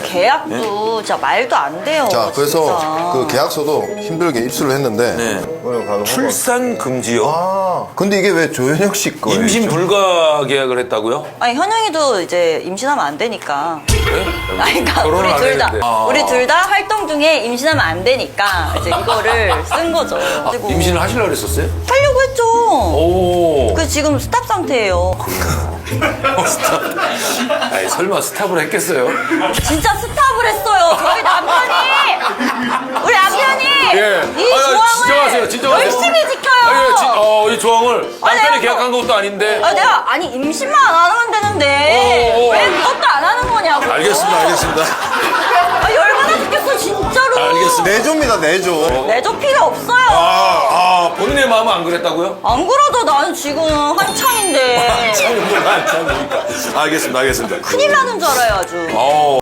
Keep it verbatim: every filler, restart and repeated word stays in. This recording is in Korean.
계약도 진짜 말도 안 돼요. 자, 그래서 진짜. 그 계약서도 힘들게 입수를 했는데. 네. 오늘 가서 출산 금지요? 아, 근데 이게 왜 조현혁 씨 거예요? 임신 불가 계약을 했다고요? 아니 현영이도 이제 임신하면 안 되니까. 네? 아니, 그러니까 결혼을 우리 안 둘 다 했는데. 아. 우리 둘 다 활동 중에 임신하면 안 되니까 이제 이거를 쓴 거죠. 그리고 임신을 하시려고 그랬었어요? 하려고 했죠. 오. 그 지금 스탑 상태예요. 스탑. 아니, 설마 스탑을 했겠어요? 진짜 스탑을 했어요. 저희 남편이 우리 남편이 예. 이 아, 조항을 진정하세요, 진정하세요. 열심히 지켜요. 아, 예, 지, 어, 이 조항을 남편이 내가 계약한 것도 아닌데. 아, 내가 아니 임신만 안 하면 되는데 오, 오, 오. 왜 그것도 안 하는 거냐고. 알겠습니다, 알겠습니다. 아, 열받아 죽겠어 진짜로. 알겠습니다. 내조입니다, 내조. 내조 필요 없어요. 아, 아, 본인의 마음은 안 그랬다고요? 안 그래도 나는 지금 한창인데 참, 뭐가 안 참으니까. 알겠습니다, 알겠습니다. 큰일 나는 줄 알아요 아주. 어.